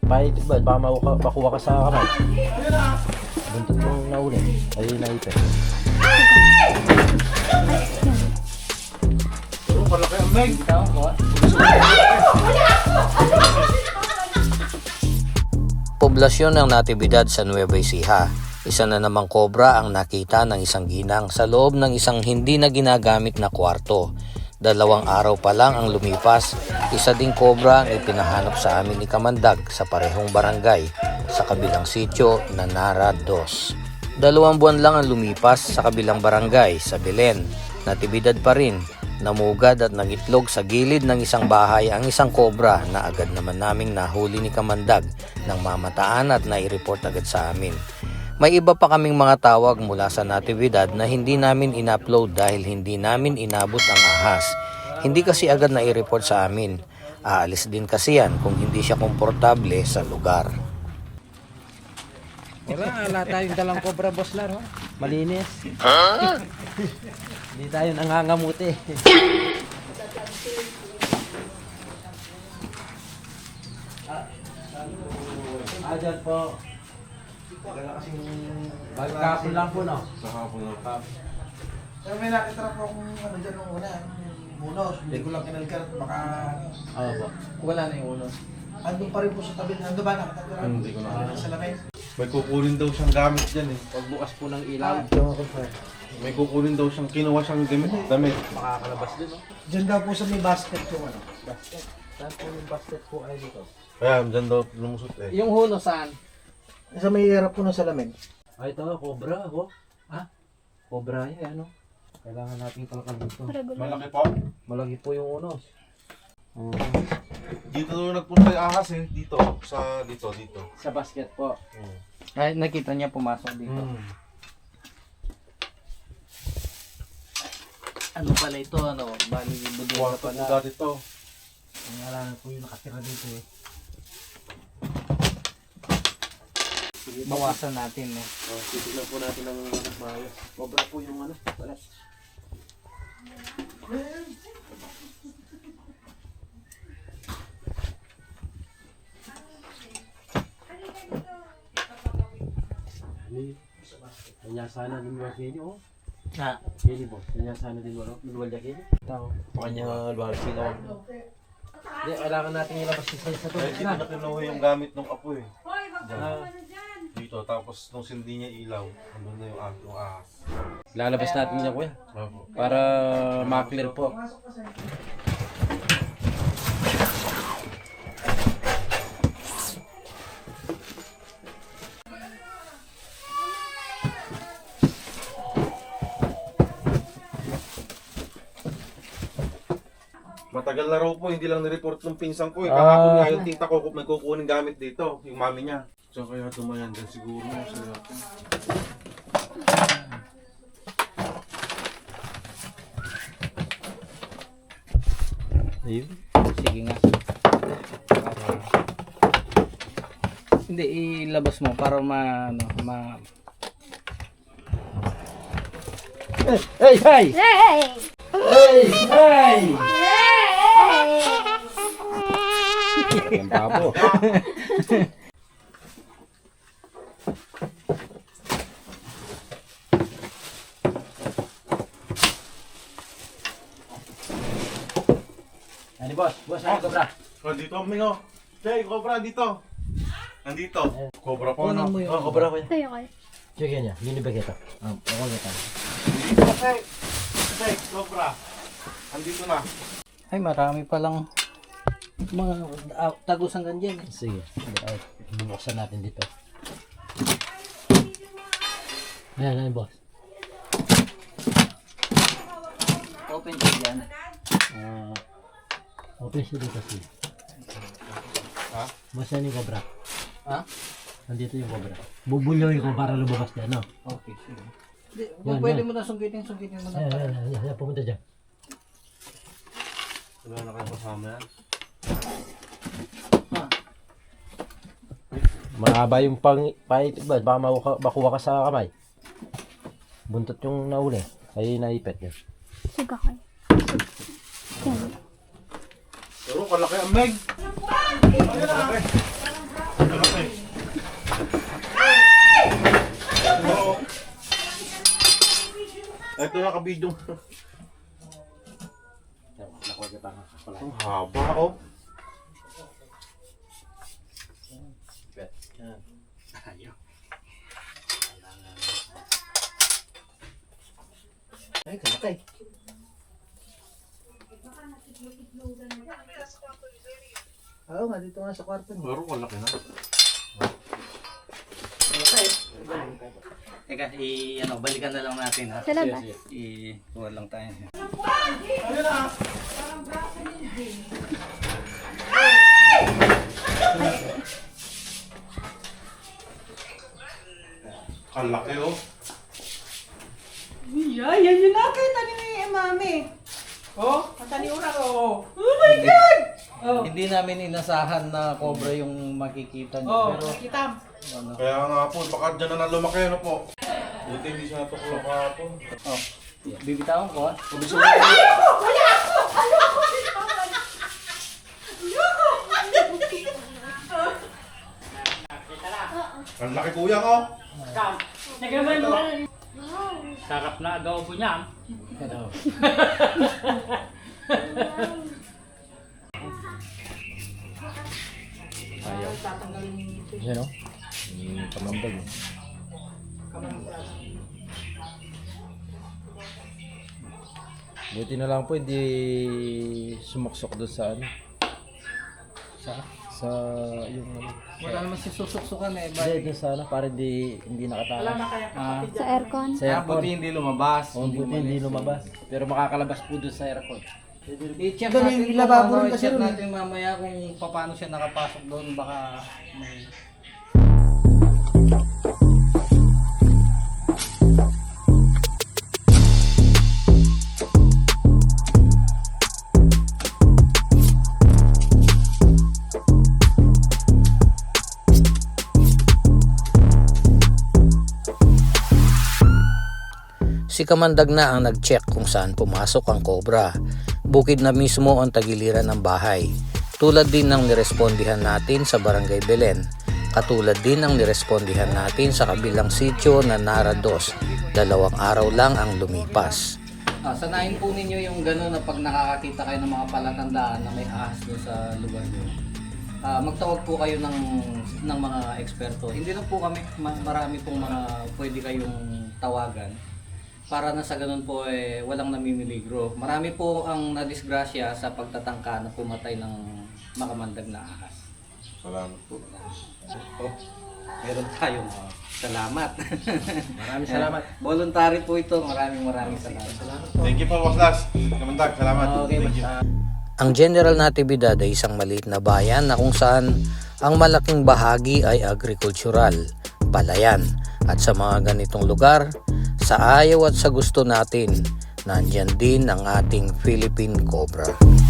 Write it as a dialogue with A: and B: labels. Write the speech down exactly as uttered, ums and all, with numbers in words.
A: Kahit ba, baka makuha, makuha ka sa kamay. Buntot yung nauli. Ay, naipit.
B: Pero palaki ang meg.
C: Poblasyon ng Natividad sa Nueva Ecija. Isa na namang kobra ang nakita ng isang ginang sa loob ng isang hindi na ginagamit na kwarto. Dalawang araw pa lang ang lumipas, isa ding kobra ang ipinahanap sa amin ni Kamandag sa parehong barangay sa kabilang sitio na Nara dos. Dalawang buwan lang ang lumipas sa kabilang barangay sa Belen. Natividad pa rin, namugad at nangitlog sa gilid ng isang bahay ang isang kobra na agad naman naming nahuli ni Kamandag ng mamataan at nai-report agad sa amin. May iba pa kaming mga tawag mula sa Natividad na hindi namin in-upload dahil hindi namin inabot ang ahas. Hindi kasi agad na i-report sa amin. Aalis din kasi yan kung hindi siya komportable sa lugar.
A: Wala, wala tayong dalang cobra, boss Laro. Malinis. Huh? Hindi tayo nangangamuti. Ah, dyan po. Wala kasing... Bagkapon lang po, no?
B: Sa hapon na.
D: Pero may nakita po akong ano dyan nung una, munos. Hindi ko lang kinalkar, baka...
A: Oo po. Wala na yung ulo.
D: Andun pa rin po sa tabi. Andun ba nakatagura?
B: Hindi ko na.
D: Sa lamay.
B: May kukunin daw siyang gamit dyan eh.
A: Pagbukas po ng ilaw.
B: May kukunin daw siyang kinuha siyang damit. damit.
A: Makakalabas din, no?
D: Dyan daw po sa may basket yung ano.
A: Basket. Saan po yung basket po ay dito?
B: Kaya dyan daw lumusot eh.
A: Yung huno saan?
D: Sa may harap po ng salamin.
A: Ay, ito, cobra, ho. Ha? Cobra yan, ano? Kailangan natin kalakal dito.
B: Malaki po.
A: Malaki po yung unos. Uh,
B: Dito daw nagpunta yung ahas eh. Dito. Sa dito, dito.
A: sa basket po.
B: Hmm.
A: Ay, nakita niya pumasok dito.
B: Hmm.
A: Ano pala ito, ano? Bali, budol na
B: Kwarto po
A: pala.
B: dati to.
A: Ngalan po yung nakatira dito eh. Bawasan natin eh.
B: Oh, titignan po natin ang maayos.
A: Cobra po yung ano. Wala.
E: Kanya sana din mo kini oh.
A: Ha?
E: Kini mo. Kanya sana din mo luwal ya kini.
A: Tao.
B: Kanya luwal sila.
A: Hindi, kailangan natin ilabas isa sa to.
B: Eh, dito na kinuha yung gamit ng apo eh.
F: Hoy, wag ka
A: Ah.
F: ano dyan.
B: Dito, tapos nung sindi niya ilaw, andun na yung, ah- yung ahas.
E: Lalabas natin niya kuya
B: Opo.
E: para ma-clear po.
B: Matagal na raw po, hindi lang nireport ng pinsang ko eh.
A: Ah.
B: Kahapon nga yung tita ko, may kukunin gamit dito, yung mami niya. So kaya tumayan din siguro sa yakin.
A: Ayun. Sige nga. Para... Hindi, ilabas mo para ma... Ano, ma... Hey! Hey! Hey!
F: Hey!
A: Hey! Hey!
E: Ang babo.
A: Ano boss? Boss, ano cobra?
B: Oh, dito, Mingo. Jay, cobra, dito. Nandito. Cobra po, no?
A: Kunin mo yung...
E: Oh, cobra kuya.
F: Tayo kayo.
E: Sige niya. Lini ba kita? Ah, ako kita.
B: Dito, Jay. Jay, cobra. Nandito na.
A: Ay, marami palang mga uh, tagusan ganyan.
E: Sige. Ay, bubuksan natin dito. Ayan, ayan boss.
A: Open ko yan.
E: Ah, open siya dito kasi.
B: Ha?
E: Boss, yan yung cobra.
A: Ha?
E: Nandito yung cobra. Bubulyoy ko para lumabas dyan, no?
A: Okay, sige. Hindi,
E: Yan,
A: pwede
E: yan.
A: mo na sungkitin, sungkitin mo na.
E: Ayan, ayan, ayan, ayan, pumunta dyan.
B: Wala na kayo kasama yan.
A: Mahaba yung pang... Pahit, ba? Baka makuha, makuha ka sa kamay. Buntot yung nauli. Ay, naipit yun.
F: Sige kayo.
B: Pero kalaki ang meg. Kalaki. nakabidyo.
A: Nakuha ka pa nga.
B: Ang haba, oh.
A: Ayaw.
D: Ay, kalakay. Oo nga, dito nga sa kwarto niya.
B: Pero malaki na.
D: Kalakay.
C: Teka, i ano, balikan na lang natin ha.
F: Sa labas.
C: I kuha lang tayo.
B: Ang laki, oh.
G: Yeah, yan yun na kayo tani ni mami. Oh, tani ura ko. Oh.
C: Hindi namin inasahan na cobra yung makikita niyo,
G: Oh,
C: pero
G: kita.
C: ano,
B: Kaya nga po, baka dyan na na lumaki, ano po. Buti hindi siya natuklok kahapon.
C: oh, bibitawan ko.
B: Ang laki kuya ko.
G: Nagaman mo.
E: Sarap na agaw po niya.
A: Ayaw. Yan o. Yung kamambag. eh. Buti na lang po hindi sumaksok doon sa ano. Sa? Sa yung ano.
C: Wala naman si susuksukan eh.
A: Hindi, doon sa ano. Para hindi, hindi nakatakas.
G: Wala na kaya
C: Ah,
F: Sa aircon.
A: Sa
C: ah,
A: aircon.
C: buti hindi lumabas.
A: Oh, buti hindi lumabas. Pero makakalabas po doon sa aircon.
C: I-check
D: Doon,
C: natin,
D: yung lababo
C: mamaya,
D: rin kasi
C: i-check
D: doon eh.
C: natin mamaya kung paano siya nakapasok doon. Baka may... Si Kamandag na ang nag-check kung saan pumasok ang cobra. Bukid na mismo ang tagiliran ng bahay. Tulad din ng nirespondihan natin sa Barangay Belen. Katulad din ng nirespondihan natin sa kabilang sitio na Narados. Dalawang araw lang ang lumipas. Ah, sanayin po ninyo yung gano'n na pag nakakakita kayo ng mga palatandaan na may ahas doon sa lugar nyo. Ah, magtawag po kayo ng, ng mga eksperto. Hindi lang po kami, ma- marami pong mga pwede kayong tawagan. Para na sa ganun po eh, walang namimiligro. Marami po ang nadisgrasya sa pagtatangka na pumatay ng makamandag na ahas.
B: Salamat po.
C: Oh, meron tayong uh, salamat.
A: Maraming salamat.
C: Voluntary po ito. Maraming maraming salamat.
B: Thank you po, Boss Las. Kamandag, salamat.
A: Okay,
B: Thank you.
A: basta.
C: Ang General Natividad ay isang maliit na bayan na kung saan ang malaking bahagi ay agrikultural, palayan. At sa mga ganitong lugar, sa ayaw at sa gusto natin, nandyan din ang ating Philippine Cobra.